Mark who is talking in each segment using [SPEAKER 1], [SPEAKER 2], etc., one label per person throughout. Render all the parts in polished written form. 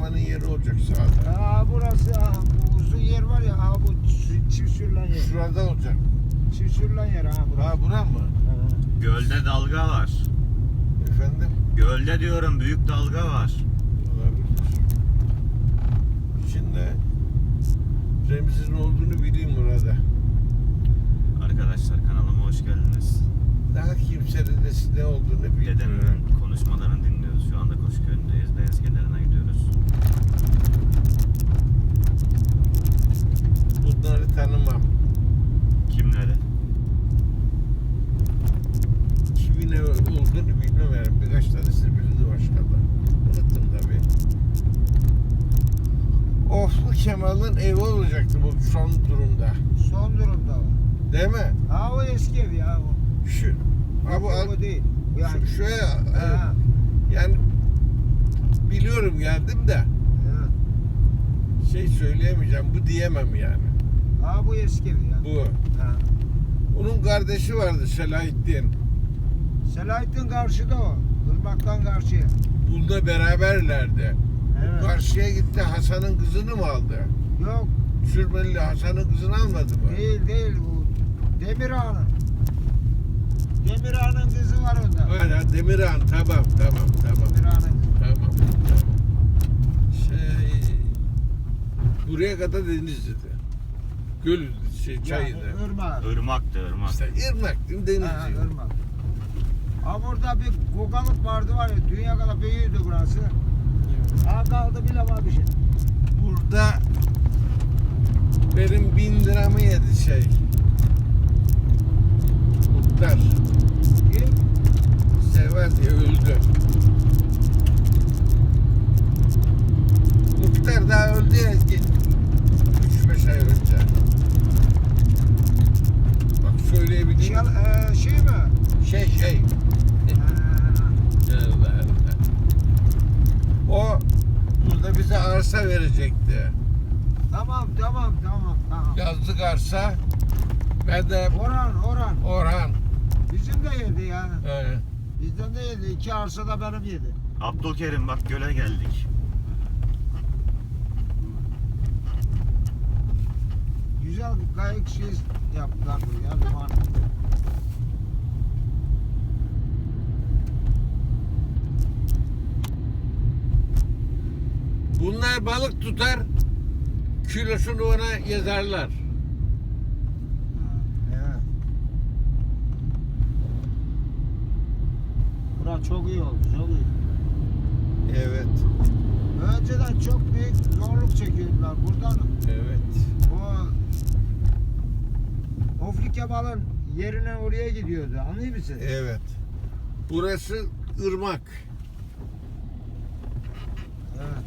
[SPEAKER 1] Kemal'in yeri olacak sağda.
[SPEAKER 2] Burası bu uzun yer var ya bu çift sürülen yer.
[SPEAKER 1] Şurada olacak.
[SPEAKER 2] Çift sürülen yer burası.
[SPEAKER 1] Bura mı?
[SPEAKER 3] Gölde dalga var.
[SPEAKER 1] Efendim?
[SPEAKER 3] Gölde diyorum, büyük dalga var.
[SPEAKER 1] Olabilir. Şimdi Remzi'nin olduğunu bileyim burada.
[SPEAKER 3] Arkadaşlar kanalıma hoş geldiniz.
[SPEAKER 1] Daha kimsenin ne olduğunu bilmiyorum.
[SPEAKER 3] Dedemin konuşmalarını dinliyoruz. Şu anda Koşköy'ündeyiz. Beyaz kenarına gidiyoruz.
[SPEAKER 1] Bunları tanımam.
[SPEAKER 3] Kimleri?
[SPEAKER 1] Kimin ne olduğunu bilmiyorum. Birkaç tanesini bildi başka da. Unuttum tabii. Oflu Kemal'in evi olacaktı bu son durumda.
[SPEAKER 2] Son durumda o.
[SPEAKER 1] Değil mi?
[SPEAKER 2] O eski ev ya o.
[SPEAKER 1] Şu. Ha bu
[SPEAKER 2] O değil. Yani.
[SPEAKER 1] şuraya
[SPEAKER 2] Ha.
[SPEAKER 1] yani biliyorum geldim de şey söyleyemeyeceğim. Bu diyemem yani.
[SPEAKER 2] Bu eski ev ya.
[SPEAKER 1] Bu.
[SPEAKER 2] Ha.
[SPEAKER 1] Onun kardeşi vardı Selahattin.
[SPEAKER 2] Selahattin karşıda o. Irmak'tan karşıya.
[SPEAKER 1] Bununla beraberlerdi.
[SPEAKER 2] Evet.
[SPEAKER 1] Karşıya gitti, Hasan'ın kızını mı aldı?
[SPEAKER 2] Yok
[SPEAKER 1] Sürmeli Hasan'ın kızını almadı mı?
[SPEAKER 2] değil bu. Demir Ağa'nın. Demir Ağa'nın kızı var onda.
[SPEAKER 1] Hala Demirhan, tamam.
[SPEAKER 2] Demir Ağa'nın kızı.
[SPEAKER 1] Tamam. Buraya kadar Denizli'de. Göl, çaydı.
[SPEAKER 2] Irmak.
[SPEAKER 3] Irmak'tı, ırmak.
[SPEAKER 1] İşte Irmak değil mi, Denizli?
[SPEAKER 2] Irmak. Burada bir kokalık vardı var ya, dünya kadar büyüğüydü burası. Kaldı bile var bir şey.
[SPEAKER 1] Burada benim 1000 liramı yedi Muhtar.
[SPEAKER 2] Kim?
[SPEAKER 1] Sever diye öldü. Muhtar daha öldü ya 3-5 ay önce. Bak söyleyebileyim.
[SPEAKER 2] Şey mi?
[SPEAKER 1] Şey. Allah Allah. O burada bize arsa verecekti.
[SPEAKER 2] Tamam.
[SPEAKER 1] Yazlık arsa. Ben de
[SPEAKER 2] Orhan. Bizim de yedi yani.
[SPEAKER 1] Evet.
[SPEAKER 2] Bizden de yedi. 2 arsa da benim yedi.
[SPEAKER 3] Abdülkerim bak göle geldik.
[SPEAKER 2] Güzel bir kayık şey yaptılar buraya. Liman.
[SPEAKER 1] Bunlar balık tutar, kilosunu ona yazarlar.
[SPEAKER 2] Evet. Bura çok iyi oldu, çok iyi.
[SPEAKER 1] Evet.
[SPEAKER 2] Önceden çok büyük zorluk çekiyordular. Buradan
[SPEAKER 1] Evet.
[SPEAKER 2] Ofli Kemal'in yerine oraya gidiyordu. Anlıyor musun?
[SPEAKER 1] Evet. Burası ırmak.
[SPEAKER 2] Evet.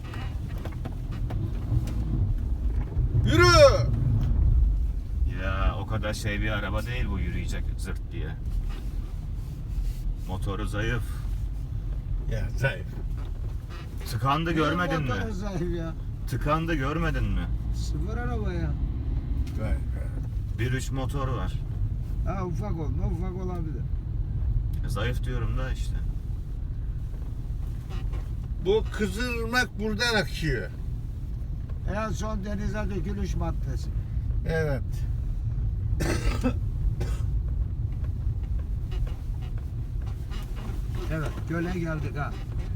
[SPEAKER 1] Yürü!
[SPEAKER 3] Ya o kadar bir araba değil bu, yürüyecek zırt diye. Motoru zayıf.
[SPEAKER 1] Ya zayıf.
[SPEAKER 3] Tıkandı, görmedin mi?
[SPEAKER 2] Motoru zayıf ya.
[SPEAKER 3] Tıkandı, görmedin mi?
[SPEAKER 2] Sıfır araba ya.
[SPEAKER 1] Zayıf.
[SPEAKER 3] 1.3 motor var.
[SPEAKER 2] Ufak olabilir.
[SPEAKER 3] Zayıf diyorum da işte.
[SPEAKER 1] Bu Kızılırmak buradan akıyor.
[SPEAKER 2] En son denize dökülüş maddesi.
[SPEAKER 1] Evet.
[SPEAKER 2] Evet, göle geldik ha.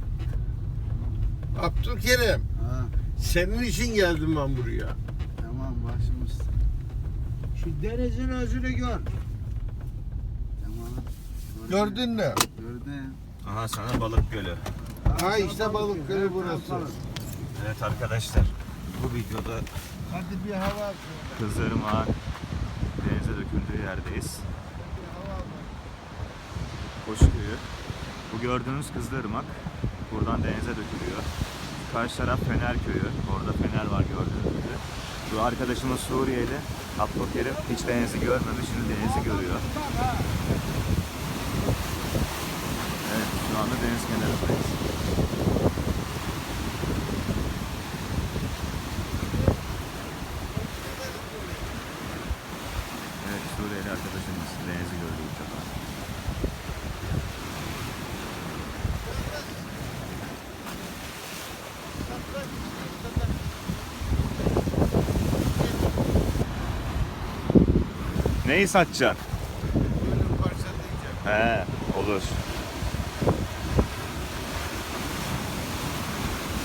[SPEAKER 1] Abdülkerim,
[SPEAKER 2] Ha,
[SPEAKER 1] senin için geldim ben buraya.
[SPEAKER 2] tamam başımız. Şu denizin özünü gör. Tamam.
[SPEAKER 1] Gördün mü?
[SPEAKER 2] Gördüm.
[SPEAKER 3] Aha sana balık gölü.
[SPEAKER 1] Ha işte balık gölü burası.
[SPEAKER 3] Evet arkadaşlar, bu videoda
[SPEAKER 1] Hadi bir hava at.
[SPEAKER 3] Kızılırmak'ın denize döküldüğü yerdeyiz. Koşköy'ü. Bu gördüğünüz Kızılırmak buradan denize dökülüyor. Karşı taraf Fener Köyü. Orada Fener var gördüğünüz gibi. Bu arkadaşımız Suriyeli. Abdülkerim hiç denizi görmemiş, şimdi denizi görüyor. Evet, şu anda deniz kenarındayız. Evet, Suriyeli arkadaşımız denizi gördü bu sefer. Neyi satacaksın?
[SPEAKER 1] Böyle bir parça diyeceğim.
[SPEAKER 3] He, olur.